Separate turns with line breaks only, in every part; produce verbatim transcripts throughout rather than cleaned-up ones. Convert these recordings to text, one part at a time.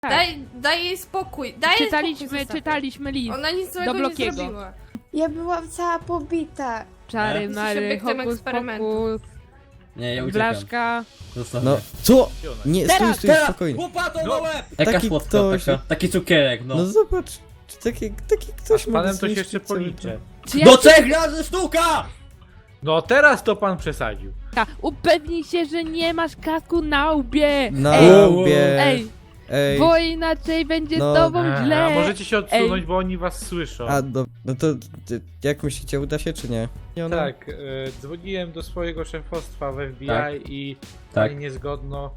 Tak.
Daj, daj jej spokój, daj jej
Czytaliśmy,
spokój zostaw.
czytaliśmy list.
Ona nic złego
do
nie
Blokiego.
zrobiła.
Ja byłam cała pobita.
Czary,
Jesteś
mary,
obiektem
hokus
eksperymentu.
pokus,
Nie, ja uciekam.
blaszka.
Zostaw
No,
mnie.
co? Nie, stój,
Teraz,
stój,
Teraz!
spokojnie.
Łopato na
No.
łeb! Jaka
Taki
słodka
ktoś-
taka, taki cukierek, no.
No zobacz, czy taki, taki ktoś
Z
ma
panem to się
zniszczyć
jeszcze
cały
policzę.
Czy ja
Do trzech razy sztuka!
No teraz to pan przesadził.
Upewnij się, że nie masz kasku na łbie.
Na
Ej,
łbie.
ej,
Ej.
bo inaczej będzie
No.
z tobą
Aha,
źle.
a możecie się odsunąć,
Ej.
bo oni was słyszą.
A, do, no to ty, jak myślicie, uda się czy nie? nie ona?
Tak, e, dzwoniłem do swojego szefostwa w F B I
Tak.
i
Tak.
pani niezgodno.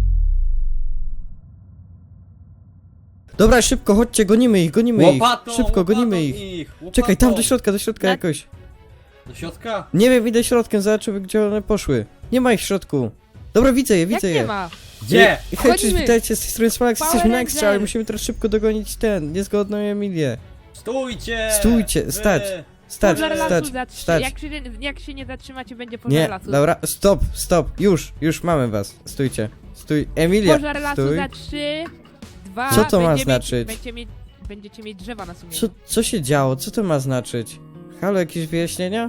Dobra, szybko, chodźcie, gonimy ich, gonimy
Łopatą,
ich. Szybko, gonimy
łopatą
ich.
łopatą.
Czekaj, tam do środka, do środka
Na-
jakoś.
Do środka?
Nie wiem, idę środkiem, zobaczymy gdzie one poszły. Nie ma ich w środku. Dobra, widzę je,
Jak
widzę
nie
je.
ma?
Gdzie?
Hej, cześć,
Chodzimy.
witajcie, z tej strony Smolax,
Power
jesteśmy na Extra, ale
Ranger.
musimy teraz szybko dogonić ten, niezgodną Emilię.
Stójcie!
Stójcie,
Wy!
stać. Stać,
Pożar
stać,
lasu za trzy.
stać.
Jak się, jak się nie zatrzymacie, będzie pożar
Nie,
lasu.
dobra, stop, stop, już, już mamy was. Stójcie, stój, Emilia,
Pożar lasu
stój.
za trzy, dwa,
Co to ma
będzie
znaczyć?
Mieć, będzie mieć, będziecie mieć drzewa na sumieniu.
Co, co się działo, co to ma znaczyć? Halo, jakieś wyjaśnienia?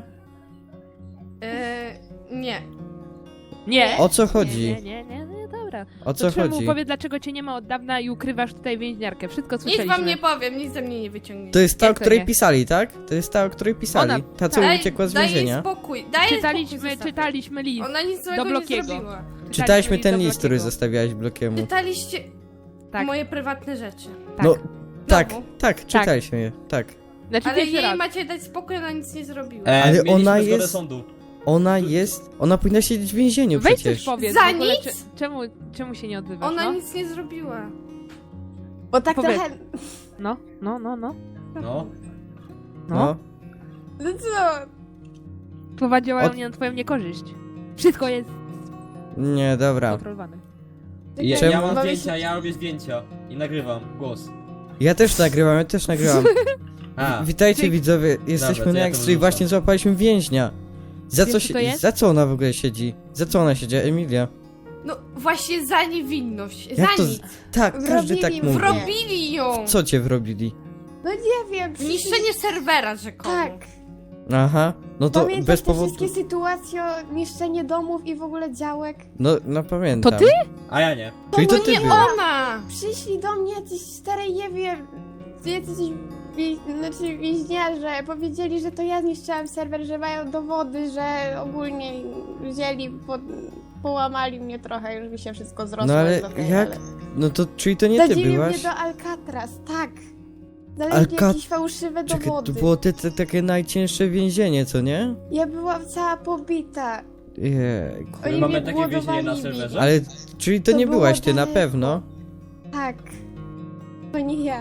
Eee, nie.
Nie.
O co chodzi?
Nie, nie, nie, nie, dobra.
O
To
co
czemu
chodzi?
powie, dlaczego cię nie ma od dawna i ukrywasz tutaj więźniarkę? Wszystko
Nic
słyszeliśmy.
wam nie powiem, nic ze mnie nie wyciągniecie.
To jest ta, o
Jak to
której
nie?
pisali, tak? To jest ta, o której pisali.
Ona-
Ta, co
Daj,
uciekła z
daj jej
więzienia.
spokój, daj jej spokój
Czytaliśmy,
zostaw.
czytaliśmy list.
Ona nic złego
do
nie
Blokiego.
zrobiła.
Czytaliśmy
list
ten
do
list, który
Blokiego.
zostawiałeś blokiemu.
Czytaliście
Tak,
moje prywatne rzeczy.
tak.
No, tak,
Znowu.
tak, czytaliśmy je, tak.
Znaczy
Ale
pierwszy
jej
raz.
macie dać spokój, ona nic nie zrobiła.
E,
Ale
mieliśmy
ona
zgodę
jest-
sądu.
Ona jest, ona powinna siedzieć w więzieniu
Weź coś
przecież.
powiedz.
Za
w ogóle,
nic?
cze- Czemu, czemu się nie odzywasz?
Ona
no?
nic nie zrobiła.
Bo tak
Powiedz.
trochę...
no, no, no, no.
No.
No.
No.
No co?
Słowa działają
Od-
nie na twoją niekorzyść. Wszystko jest
Nie, dobra.
kontrolowane.
Ja,
Czemu?
ja mam
Mamy
zdjęcia,
się-
ja robię zdjęcia. I nagrywam głos.
Ja też nagrywam, ja też nagrywam.
A,
Witajcie
Ty-
widzowie, jesteśmy
to
na
ja to
Extra i
wyrzucam.
właśnie złapaliśmy więźnia. Za
Wiesz,
co,
co
się,
to jest?
za co ona w ogóle siedzi? Za co ona siedzi, Emilia?
No właśnie za niewinność,
Jak
za
to
nic.
Tak, każdy
Wrobili
tak
mnie.
mówi.
Wrobili ją!
Co cię wrobili?
No nie wiem. przyszli-
Niszczenie serwera rzekomo.
Tak.
Aha, no to
Pamiętasz
bez
te
powodu...
wszystkie sytuacje o niszczenie domów i w ogóle działek?
No, no pamiętam.
To ty?
a ja nie.
Czyli to
No
ty
nie
był.
ona!
Przyszli do mnie jacyś stare, nie wiem, jacyś wie, znaczy więźniarze, powiedzieli, że to ja zniszczyłam serwer, że mają dowody, że ogólnie wzięli, po, połamali mnie trochę, już mi się wszystko zrosło.
No ale
do tej,
jak?
ale-
No to, czyli to nie ty
Zadzili
byłaś?
mnie do Alcatraz, tak. Znaleźli
Alcat-
jakieś fałszywe
Czekaj,
dowody.
to było te, te, takie najcięższe więzienie, co nie?
Ja byłam cała pobita.
Jejku.
Oni
mamy
mnie
takie więzienie na
głodowali.
serwerze?
Ale, czyli to,
To
nie
było
byłaś ty, na
daleko.
pewno?
Tak. To nie ja.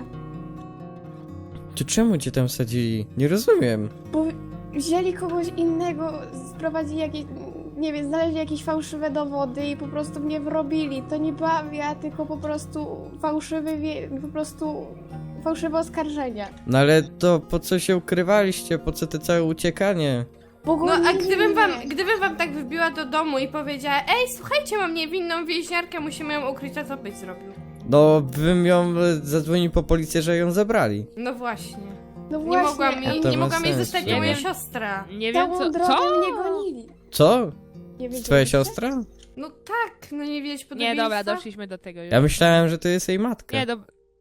To czemu cię tam wsadzili? Nie rozumiem.
Bo wzięli kogoś innego, sprowadzili jakieś, nie wiem, znaleźli jakieś fałszywe dowody i po prostu mnie wrobili. To nie byłam ja, tylko po prostu fałszywy, wie- po prostu fałszywe oskarżenia.
No ale to po co się ukrywaliście? Po co te całe uciekanie?
Bo
No a
gonili
gdybym wam,
mnie.
gdybym wam tak wbiła do domu i powiedziała: ej, słuchajcie, mam niewinną więźniarkę, musimy ją ukryć, to co byś zrobił?
No, bym ją e, zadzwonił po policję, że ją zabrali.
No właśnie.
No
Nie
właśnie,
mogła
a
mi,
to
nie
ma
mogła mi
sens,
zostać
nie
moja
wiem.
siostra.
Nie wiem
całą
co.
drogę
Co?
mnie gonili.
Co?
Nie
To
wiedzieliście?
twoja siostra?
No tak, no nie wiedzieć
Nie,
podobieństwa?
dobra, doszliśmy do tego już.
Ja myślałem, że to jest jej matka.
Nie, do...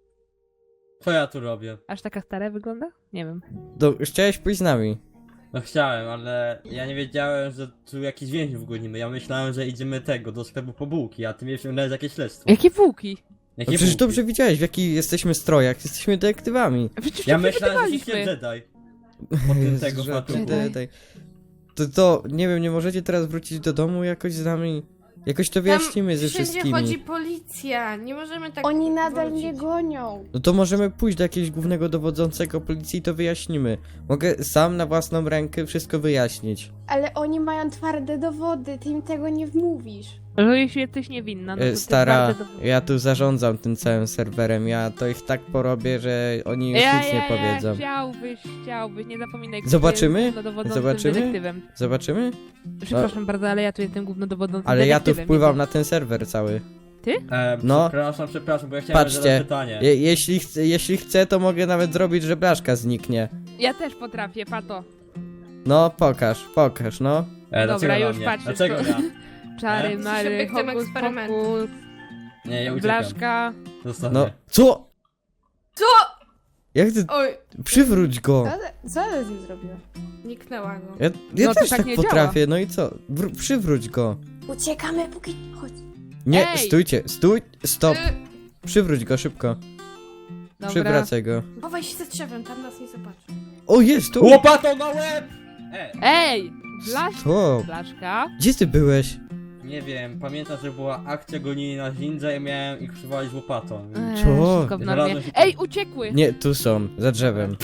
Co ja tu robię?
aż taka stara wygląda? Nie wiem.
Do, chciałeś pójść z nami.
No chciałem, ale ja nie wiedziałem, że tu jakiś więźniów gonimy. Ja myślałem, że idziemy tego, do sklepu po bułki, a ty mnie wciągnąłeś jakieś śledztwo.
Jakie bułki?
No
Jakie
przecież
bułki?
dobrze widziałeś, w jakich jesteśmy strojach. Jesteśmy detektywami.
Przecież
Ja
to
myślałem, że jesteście
wypytywaliśmy.
Jedi. Po tym
Jezu,
tego
że-
fatuchu.
daj, daj. To, to, nie wiem, nie możecie teraz wrócić do domu jakoś z nami? Jakoś to wyjaśnimy ze
wszędzie
wszystkimi.
chodzi policja, nie możemy tak
Oni nadal
wrócić.
mnie gonią.
No to możemy pójść do jakiegoś głównego dowodzącego policji i to wyjaśnimy. Mogę sam na własną rękę wszystko wyjaśnić.
Ale oni mają twarde dowody, ty im tego nie wmówisz.
Że jeśli jesteś niewinna, no to
E,
ty
Stara,
bardzo dobrze-
ja tu zarządzam tym całym serwerem. Ja to ich tak porobię, że oni już
ja,
nic nie
ja,
powiedzą.
Ja, chciałbyś, chciałbyś, nie zapominaj. kto
Zobaczymy?
jest głównodowodzącym
Zobaczymy?
detektywem.
Zobaczymy?
Przepraszam bardzo, ale ja tu jestem głównodowodzącym
Ale ja tu
detektywem.
wpływam
nie
na ten serwer cały.
Ty?
E,
No.
Przepraszam, przepraszam, bo ja chciałem
Patrzcie,
zadać pytanie.
Je, jeśli, chce, jeśli chcę, to mogę nawet zrobić, że blaszka zniknie.
Ja też potrafię, pato.
No, pokaż, pokaż, no.
E,
Dobra,
dlaczego
już
na mnie?
patrzysz,
Dlaczego
to-
ja?
Czary,
E?
mary,
Jesteś obiektem
hokus
eksperymentu.
pokus,
Nie, ja uciekam.
blaszka.
Zostawię.
No, co?
Co?
Jak ty...
Oj,
Przywróć go!
Co, co ty z nim zrobiła?
niknęła go.
Ja, ja
No to
też
tak
tak,
nie
potrafię, no i co? Wr- przywróć go.
Uciekamy, póki... Chodź.
Nie,
Ej!
stójcie, stój, stop.
Y,
Przywróć go szybko.
Dobra.
Przywracaj go.
chowaj się za drzewem, tam nas nie zobaczy.
O, jest tu!
Łopatą na łeb! E,
Ej! Blaszka.
To,
Blaszka.
gdzie ty byłeś?
nie wiem, pamiętam, że była akcja gonili na ninja i miałem ich przywalić łopatą.
Eee,
Co?
wszystko w normie.
Znalazłem się-
Ej, uciekły!
Nie, tu są, za drzewem.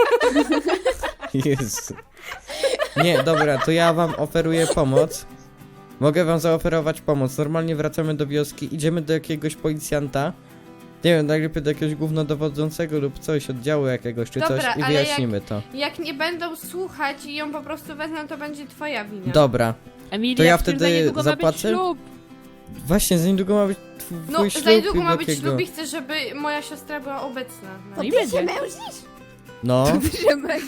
Jezu. Nie, dobra, to ja wam oferuję pomoc. Mogę wam zaoferować pomoc. Normalnie wracamy do wioski, idziemy do jakiegoś policjanta. Nie wiem, najlepiej do jakiegoś głównodowodzącego lub coś, oddziału jakiegoś czy
Dobra,
coś i
ale
wyjaśnimy to.
Jak nie będą słuchać i ją po prostu wezmą, to będzie twoja wina.
Dobra,
Emilia,
To ja
przecież
wtedy
za niedługo ma być
zapłacę?
ślub.
właśnie za niedługo ma być twój
No,
twój
za
ślub
niedługo
i
ma być
Blokiego.
ślub i chcę, żeby moja siostra była obecna.
No i
Ty
będzie.
się męczysz?
No,
Ziemek.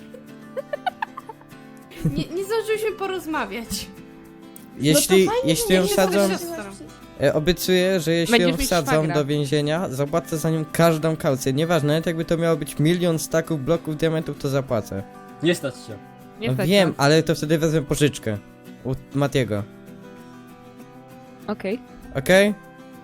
Nie, nie zdążyliśmy porozmawiać.
jeśli,
No to fajnie,
jeśli ją
nie
wsadzą,
jesteś
e, obiecuję, że jeśli
Będziesz
ją
mieć
wsadzą
szwagra.
do więzienia, zapłacę za nią każdą kaucję. Nieważne, nawet jakby to miało być milion staków bloków diamentów, to zapłacę.
Nie stać się.
Nie
No
stać
wiem,
nas.
ale to wtedy wezmę pożyczkę u Matiego.
Okej.
Okej?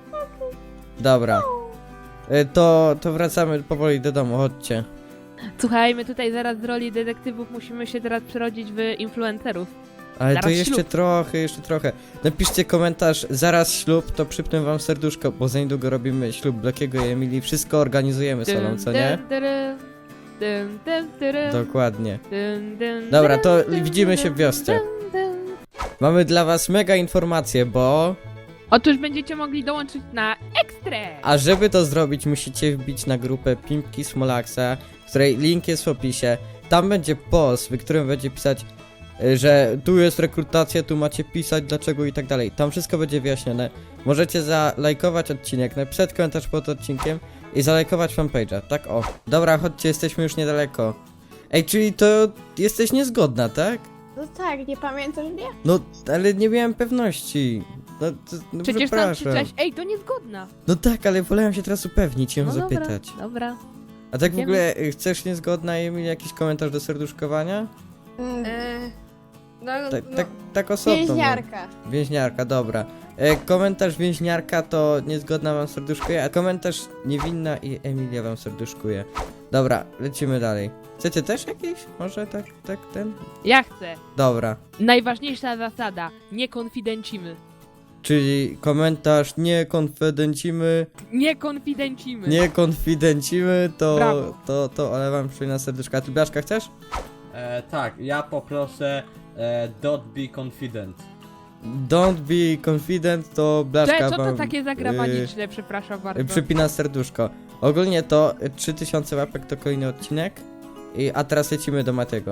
Dobra. E, To, to wracamy powoli do domu, chodźcie.
Słuchaj, my tutaj zaraz z roli detektywów musimy się teraz przerodzić w influencerów.
Ale to
Zaraz
jeszcze
ślub.
trochę, jeszcze trochę. Napiszcie komentarz, zaraz ślub, to przypnę wam serduszko, bo za niedługo robimy ślub Blokiego i Emilii. Wszystko organizujemy solą, co nie?
Dyn, dyrym, dyn, dyn, dyrym,
Dokładnie.
dyn, dyn,
Dobra,
dyrym,
to
dyn,
widzimy się w wiosce.
dyn, dyn.
Mamy dla was mega informacje, bo...
Otóż będziecie mogli dołączyć na Ekstrę!
A żeby to zrobić, musicie wbić na grupę Pimpki Smolaxa, której link jest w opisie. Tam będzie post, w którym będzie pisać, y, że tu jest rekrutacja, tu macie pisać dlaczego i tak dalej. Tam wszystko będzie wyjaśnione. Możecie zalajkować odcinek, napisać komentarz pod odcinkiem i zalajkować fanpage'a. Tak o. Dobra, chodźcie, jesteśmy już niedaleko. Ej, czyli to jesteś niezgodna, tak?
No tak, nie pamiętasz mnie?
No, ale nie miałem pewności. No, to, no
Przecież tam
przepraszam.
krzyczałeś, ej, to niezgodna!
No tak, ale wolałem się teraz upewnić i ją
No dobra,
zapytać.
dobra.
A tak w
Wiemy.
ogóle y, chcesz niezgodna Emil jakiś komentarz do serduszkowania?
Mm,
E, no,
Tak,
no,
tak, tak osobno.
Więźniarka.
no. Więźniarka, dobra. E, komentarz więźniarka to niezgodna wam serduszkuje, a komentarz niewinna i Emilia wam serduszkuje. Dobra, lecimy dalej. Chcecie też jakiś? Może tak, tak ten?
Ja chcę.
Dobra.
Najważniejsza zasada, nie konfidencimy.
Czyli komentarz nie konfidencimy,
Nie konfidencimy.
nie konfidencimy, to,
Brawo.
to, to, ale wam przyjmę na serduszka. A ty Blaszka chcesz?
E, tak, ja poproszę e, don't be confident.
Don't be confident, to Blaszka
Cze, co to
wam,
takie
y,
zagraniczne, przepraszam bardzo.
przypina serduszko. Ogólnie to y, trzy tysiące łapek to kolejny odcinek. I, a teraz lecimy do Matiego.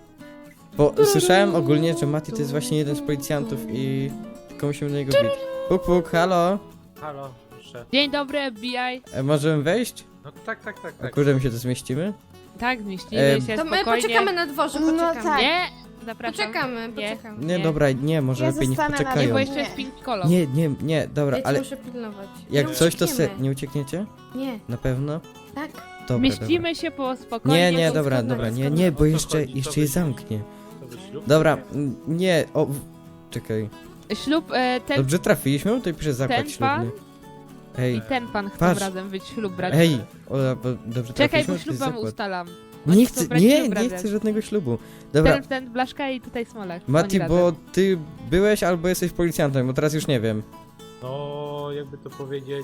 Bo słyszałem ogólnie, że Mati to jest właśnie jeden z policjantów i tylko musimy do niego bić. Puk puk, halo?
Halo, proszę.
Dzień dobry, F B I.
E, możemy wejść?
No tak, tak, tak,
A
tak.
kurde, my się to zmieścimy?
Tak, zmieścimy
Em,
się
to my
spokojnie.
poczekamy na dworze,
No
poczekamy.
tak.
Nie, zapraszam.
Poczekamy,
Nie.
poczekamy.
Nie,
Nie.
dobra, nie, może
Ja
lepiej niech
zostanę na
Nie,
poczekają.
bo
dworze.
jeszcze jest pink kolor.
Nie, nie, nie, dobra,
Ja cię
ale
muszę pilnować.
jak
Nie
coś to se...
uciekniemy.
Nie uciekniecie?
Nie,
Na pewno?
tak.
Dobra,
Mieścimy się po spokojnie.
Nie, nie,
to
dobra,
zgodna,
dobra, nie,
zgodna.
nie,
O
bo
co
jeszcze,
chodzi? Co
jeszcze
wy-
je zamknie.
To wy ślub?
Dobra, n- nie, o... w- Czekaj.
Ślub, e, ten,
Dobrze trafiliśmy? Tutaj pisze zakład
ten pan
ślubny. Ej,
i ten pan chcą
Patrz.
razem być ślub brać.
ej, o, bo dobrze
Czekaj,
trafiliśmy?
bo
To
ślub
jest
wam
zakład.
ustalam.
Nie
Oni
chcę,
chcą brać
nie,
ślub
nie
razem.
chcę żadnego ślubu. Dobra,
Ten, ten Blaszka i tutaj Smolak.
Mati,
Oni
bo
razem.
ty byłeś albo jesteś policjantem, bo teraz już nie wiem.
No, jakby to powiedzieć...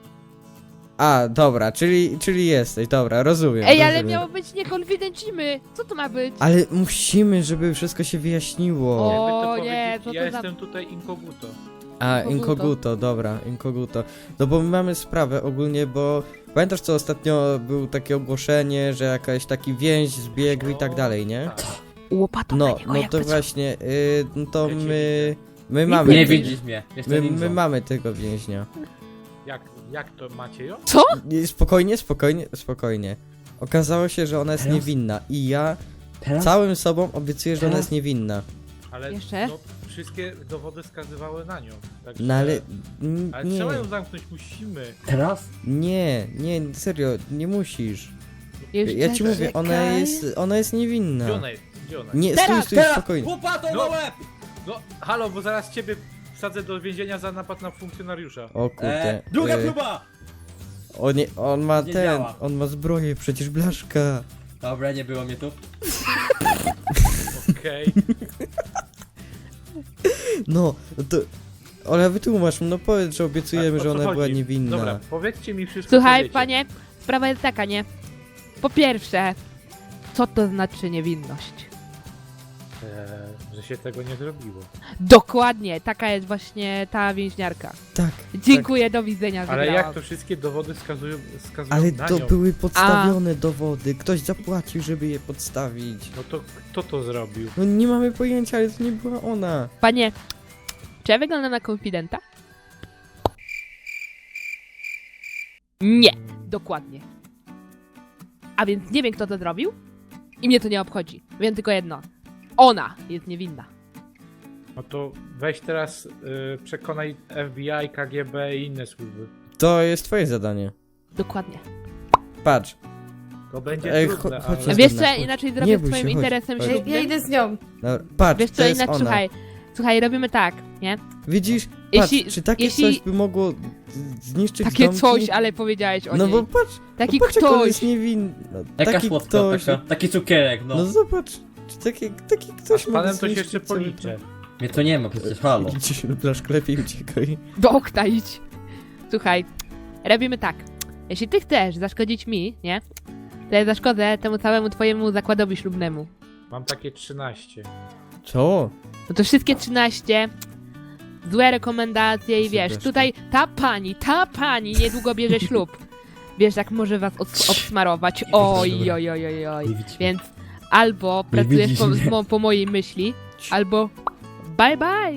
A, dobra, czyli, czyli jesteś, dobra, rozumiem.
Ej, ale
rozumiem.
miało być nie konfidencimy. Co to ma być?
Ale musimy, żeby wszystko się wyjaśniło.
O,
Jakby to
nie,
powiedzieć,
co to
ja
za-
jestem tutaj inkoguto.
A,
Inkoguto.
inkoguto, dobra, inkoguto. No bo my mamy sprawę ogólnie, bo pamiętasz co ostatnio było takie ogłoszenie, że jakaś taki więź zbiegł i tak dalej, nie?
Tak.
Łopatą
No,
na niego,
no
jak
to
to
właśnie, y, no to
Ja cię
my,
widzę.
my mamy,
Nie
my,
widzisz mnie, jestem
my,
ninją.
my mamy tego więźnia.
Jak, jak to macie ją?
Co?
Nie, spokojnie, spokojnie, spokojnie. Okazało się, że ona jest
Teraz?
niewinna i ja
Teraz?
całym sobą obiecuję, że ona
Teraz?
jest niewinna.
Ale
Jeszcze?
no, wszystkie dowody wskazywały na nią. Także...
No ale... n-
Ale
Nie,
trzeba ją zamknąć, musimy.
Teraz?
nie, nie, serio, nie musisz.
Jeszcze
Ja ci mówię, ona
czekaj.
jest, ona jest niewinna.
Gdzie ona jest? Gdzie ona jest?
Nie,
Teraz,
stój, stój,
Teraz!
spokojnie.
Łopatą
No.
na łeb!
No, halo, bo zaraz ciebie wsadzę do więzienia za napad na funkcjonariusza.
O kurde.
E, druga
y,
próba!
On, nie, on ma
Nie
ten,
działa.
on ma zbroję, przecież blaszka.
Dobra, nie było mnie tu.
Okej.
No, no to... Ola, wytłumacz mu, no powiedz, że obiecujemy,
A o
że
co
ona była
chodzi?
niewinna.
Dobra, powiedzcie mi wszystko, co
Słuchaj,
wiecie.
panie, sprawa jest taka, nie? Po pierwsze, co to znaczy niewinność?
Eee, że się tego nie zrobiło.
Dokładnie, taka jest właśnie ta więźniarka.
Tak,
Dziękuję, do widzenia,
Ale
wygrałam.
jak to wszystkie dowody wskazują, wskazują
ale
na
to
nią?
były podstawione dowody, ktoś zapłacił, żeby je podstawić.
No to kto to zrobił?
No nie mamy pojęcia, ale to nie była ona.
Panie, czy ja wyglądam na konfidenta? Nie, dokładnie. A więc nie wiem, kto to zrobił i mnie to nie obchodzi. Wiem tylko jedno. Ona jest niewinna.
No to weź teraz y, przekonaj F B I, K G B i inne służby.
To jest twoje zadanie.
Dokładnie.
Patrz.
To będzie
Ej,
trudne,
cho- chodź
ale...
na
Wiesz co,
Zgodna,
ja
chodź.
inaczej
Nie
zrobię
bój się,
swoim
chodź,
interesem
chodź.
Ja,
ślubnym?
ja idę z nią.
No, patrz,
Wiesz
to
co,
jest
inaczej,
ona.
słuchaj, słuchaj, robimy tak, nie?
Widzisz?
Jeśli-
Patrz, czy takie
jeśli-
coś by mogło z- zniszczyć
Takie
domki?
coś, ale powiedziałeś o
No
niej.
bo patrz,
Taki
no patrz jak on
ktoś.
jest niewinny. No,
Jaka
taki
słodka
ktoś.
taka. Taki cukierek, no.
No zobacz, czy taki, taki
A
ktoś
z panem to się
zniszczyć
jeszcze
cały
policzę.
Mnie to nie ma przecież, halo.
dom. Idź, blaszka, lepiej uciekaj.
Do okna idź. Słuchaj, robimy tak. Jeśli ty chcesz zaszkodzić mi, nie? To ja zaszkodzę temu całemu twojemu zakładowi ślubnemu.
Mam takie trzynaście.
Co?
No to wszystkie trzynaście złe rekomendacje i wiesz,
Przepraszam.
tutaj ta pani, ta pani niedługo bierze ślub. Wiesz, jak może was od, obsmarować. Oj, oj, oj, oj, oj.
Nie widzi mnie.
Więc albo
Nie
pracujesz
widzisz
po,
mnie.
mo, po mojej myśli, albo bye bye.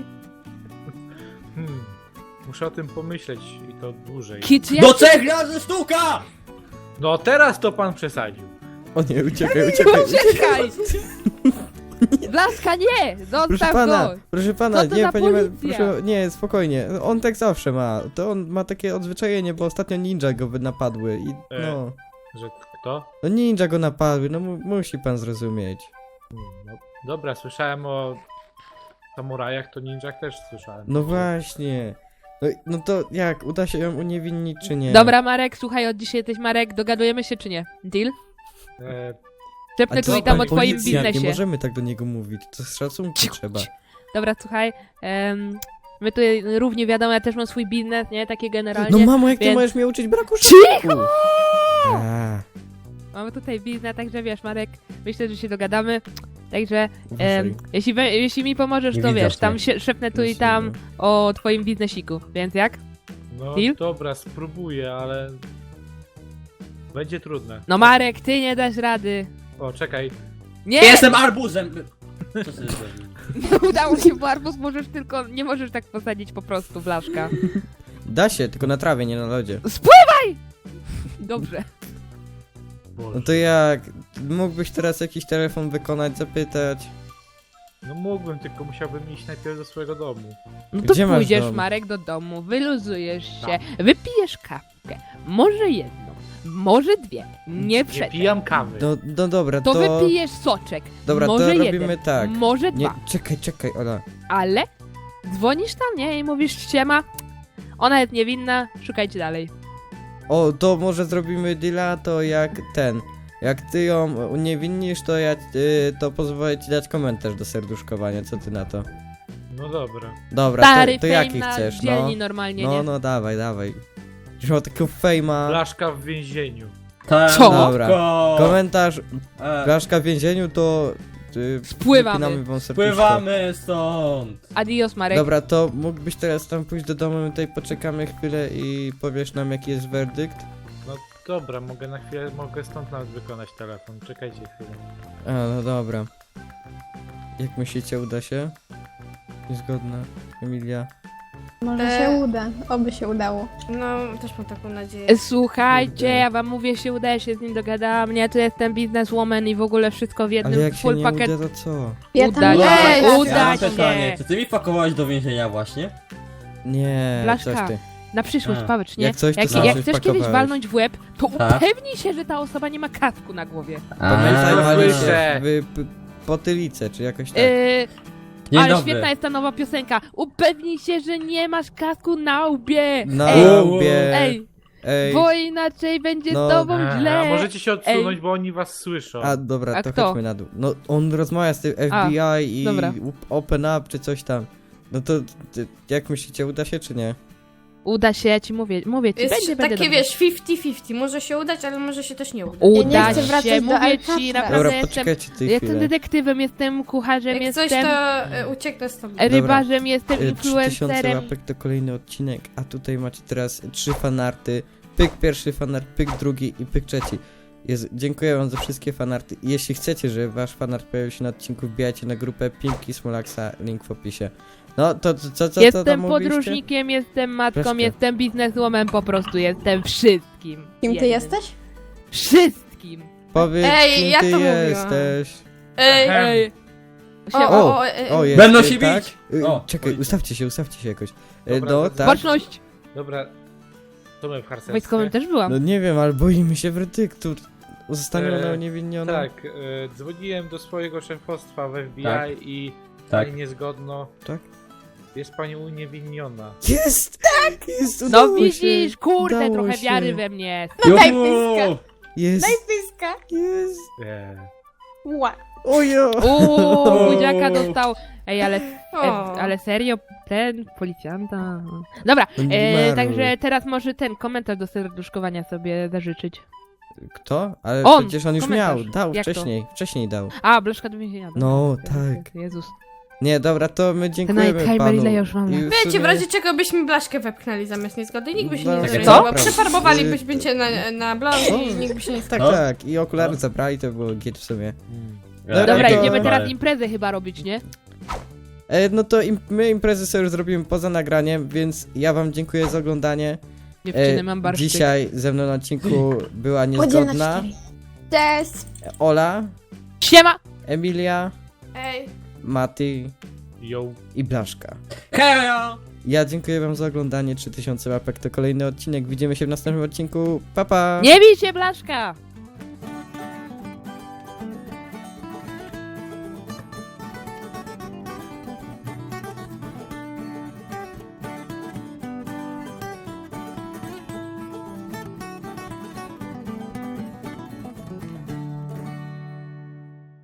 Hmm. Muszę o tym pomyśleć i to dłużej.
Kicz, ja...
Do trzech razy sztuka!
No teraz to pan przesadził.
O nie, uciekaj, uciekaj, uciekaj.
Uciekaj! Blaszka, nie!
Proszę
Zostaw
pana,
go!
proszę pana,
Co to
nie,
za
panie, ma-
policja?
proszę, nie, spokojnie, on tak zawsze ma, to on ma takie odzwyczajenie, bo ostatnio ninja go wy- napadły i
E.
no,
Że kto?
no ninja go napadły, no mu, musi pan zrozumieć.
Hmm, no, dobra, słyszałem o samurajach, to ninjach też słyszałem.
No właśnie, no, no to jak, uda się ją uniewinnić czy nie?
Dobra, Marek, słuchaj, od dzisiaj jesteś Marek, dogadujemy się czy nie? Deal?
E,
Szepnę
to
tu i tam o
pan
twoim
policjant, nie
biznesie.
możemy tak do niego mówić, to z szacunku
Cicho,
trzeba.
cicho. Dobra, słuchaj, em, my tutaj równie wiadomo, ja też mam swój biznes, nie? Takie generalnie.
No mamo, jak ty
więc-
możesz mnie uczyć braku
Cicho!
szacunku? A,
Mamy tutaj biznes, także wiesz, Marek, myślę, że się dogadamy. Także, em,
uważaj.
jeśli, we, jeśli mi pomożesz,
Nie
to
widzę
wiesz, tam
mnie.
się szepnę tu i tam o twoim biznesiku, więc jak?
no
Deal?
dobra, spróbuję, ale... Będzie trudne.
No Marek, ty nie dasz rady.
O, czekaj.
Nie!
Jestem arbuzem! Co sobie zrobił?
Nie udało się, bo arbuz możesz tylko, nie możesz tak posadzić po prostu, blaszka.
Da się, tylko na trawie, nie na lodzie.
Spływaj! Dobrze.
No
Boże.
to jak? Mógłbyś teraz jakiś telefon wykonać, zapytać?
No mógłbym, tylko musiałbym iść najpierw do swojego domu.
No to
Gdzie masz
pójdziesz,
dom?
Marek, do domu, wyluzujesz się,
Tak.
wypijesz kawkę, może jedną, może dwie, nie
Nie
przed.
pijam kawy.
No, no dobra,
To
to...
wypijesz soczek,
Dobra,
może
to
jeden,
robimy tak.
może
Nie,
dwa,
czekaj, czekaj, Ola.
ale dzwonisz tam, nie, i mówisz, siema, ona jest niewinna, szukajcie dalej.
O, to może zrobimy deala, to jak ten. Jak ty ją uniewinnisz, to ja y, to pozwolę ci dać komentarz do serduszkowania, co ty na to?
No dobra.
Dobra,
Stary
to, to
fame
jaki
na
chcesz, no?
dzielni normalnie,
No,
nie?
no, dawaj, dawaj. Już ma takiego fejma.
Blaszka w więzieniu.
Tak,
Co?
Dobra.
ko-
Komentarz,
E,
blaszka w więzieniu, to... Y,
Spływamy.
wypinamy wam serduszko.
Pływamy stąd!
Adios, Marek.
Dobra, to mógłbyś teraz tam pójść do domu, my tutaj poczekamy chwilę i powiesz nam jaki jest werdykt?
No dobra, mogę na chwilę, mogę stąd nawet wykonać telefon. Czekajcie chwilę.
A, no dobra. Jak myślicie, uda się? Niezgodna, Emilia?
Może
E.
się uda, oby się udało.
No, też mam taką nadzieję.
Słuchajcie, ja wam mówię, się uda, ja się z nim dogadałam, ja tu jestem bizneswoman i w ogóle wszystko w
Ale
jednym
jak się
full
nie
pakiet.
uda, to co?
Ja
Uda
tam
się,
nie
uda
Ja mam
się.
pytanie, czy ty mi pakowałeś do więzienia właśnie?
Nie,
Blaszka.
coś ty.
Na przyszłość,
A.
Paweł, nie?
Jak coś, to
jak,
sam
jak
coś
chcesz kiedyś
pakowałeś.
walnąć w łeb, to
Tak.
upewnij się, że ta osoba nie ma kasku na głowie.
Pamiętaj,
A,
wali
słyszę.
się w p- potylicę, czy jakoś tak.
Yy,
Dzień
ale
dobry.
świetna jest ta nowa piosenka. Upewnij się, że nie masz kasku na łbie.
Na
Ej,
łbie.
ej,
Ej.
bo inaczej będzie
No.
z tobą
A,
źle.
a możecie się odsunąć,
Ej.
bo oni was słyszą.
A dobra,
A
to
kto?
chodźmy na dół. No on rozmawia z tym F B I i
dobra.
Open Up czy coś tam. No to ty, jak myślicie, uda się czy nie?
Uda się, ja ci mówię, mówię ci,
Jest
będzie, będzie
takie,
dobrze.
wiesz, fifty fifty. Może się udać, ale może się też nie udać.
Uda
nie chcę wracać
się,
do
mówię
Alcatraz.
ci,
Dobra,
naprawdę
Dobra,
jestem,
poczekajcie tej
jestem
chwilę.
detektywem, jestem kucharzem,
Jak coś,
jestem
to y, ucieknę z tobą.
rybarzem, jestem
Y, trzy tysiące
influencerem.
łapek to kolejny odcinek, a tutaj macie teraz trzy fanarty. Pyk pierwszy fanart, pyk drugi i pyk trzeci. Jezu, dziękuję wam za wszystkie fanarty. I jeśli chcecie, żeby wasz fanart pojawił się na odcinku, wbijajcie na grupę Pimpki Smolaxa, link w opisie. No, to co, co, co
Jestem
tam mówiliście?
podróżnikiem, jestem matką,
Wreszcie.
jestem bizneswoman, po prostu jestem wszystkim.
Kim ty
Jednym.
jesteś?
Wszystkim.
Powiedz,
Ej,
kim
ja
ty
to mówiłam.
jesteś.
Ej,
Ehem.
Ej.
o,
Się-
o,
O,
o, e,
O, jest,
Będą
y,
się
tak?
bić!
Y,
O,
Czekaj,
oj.
ustawcie się, ustawcie się jakoś. Y,
Dobra,
No,
to-
tak?
Baczność!
Dobra, to my w harcerstwie.
Wojskowym też byłam.
No nie wiem, ale boimy się werdyktu. Zostanie
E,
ona uniewinniona.
Tak, e, dzwoniłem do swojego szefostwa w F B I
Tak.
i
Tak.
pani niezgodno.
Tak?
Jest pani uniewinniona.
Jest! Tak! Jest,
No
udało się,
widzisz, kurde,
udało
trochę
się.
wiary we mnie.
No
daj
Juhu!
pyska.
Jest,
Pyska.
jest.
E,
Ła.
Ojo!
Uuu, buziaka dostał. Ej, ale, e,
O.
ale serio, ten policjanta. Dobra,
No nie
e,
marnuj.
także teraz może ten komentarz do serduszkowania sobie zażyczyć.
Kto? Ale
On,
przecież on już
komentarz.
miał, dał
Jak to?
wcześniej, wcześniej dał.
A, blaszka do więzienia. dobra.
No,
Okej,
tak.
Jezus.
Nie, dobra, to my dziękujemy
Nightheimer,
panu.
ile już mam
I
lat?
w
Wiecie, w
sumie-
razie czego byśmy blaszkę wepchnęli zamiast niezgody, nikt by się
No,
nie
tak,
zorientował.
co?
Przefarmowalibyśmy cię na, na blond
Co?
i nikt by się nie
Tak,
skupił.
tak, i okulary zabrali, to było git w sumie.
Ja-
Dobra,
to-
idziemy teraz
Ale-
imprezę chyba robić, nie?
E, no to im, my imprezy sobie już zrobimy poza nagraniem, więc ja wam dziękuję za oglądanie.
Dziewczyny,
E,
mam barszczyk.
dzisiaj ze mną na odcinku była
Podziel na
niezgodna
cztery. Cześć.
Ola,
Siema!
Emilia,
Ej,
Mati
Yo.
i Blaszka.
Hejo!
Ja dziękuję wam za oglądanie, trzy tysiące łapek to kolejny odcinek, widzimy się w następnym odcinku, pa pa!
Nie bij się, blaszka!